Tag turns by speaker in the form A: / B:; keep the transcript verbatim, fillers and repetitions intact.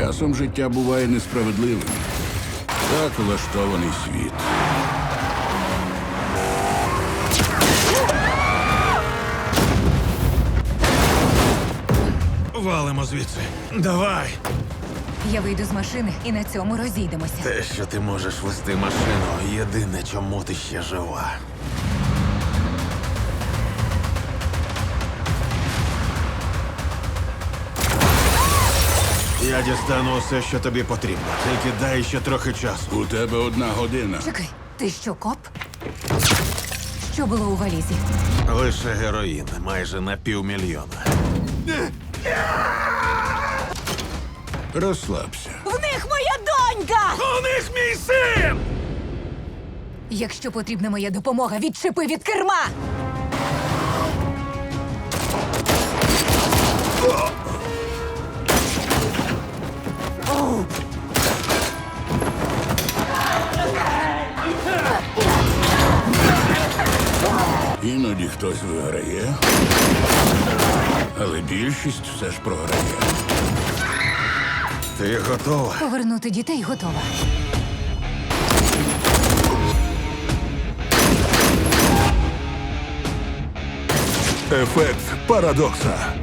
A: Часом життя буває несправедливим. Так влаштований світ.
B: Валимо звідси. Давай!
C: Я вийду з машини і на цьому розійдемося.
B: Те, що ти можеш вести машину, єдине, чому ти ще жива. Я дістану усе, що тобі потрібно. Тільки дай ще трохи часу.
A: У тебе одна година.
C: Чекай, ти що, коп? Що було у валізі?
B: Лише героїн, майже на півмільйона.
A: Розслабся.
C: В них моя донька!
B: У них мій син!
C: Якщо потрібна моя допомога, відчепи від керма!
A: Іноді хтось виграє, але більшість все ж програє.
B: Ти готова?
C: Повернути дітей готова.
A: Ефект парадокса.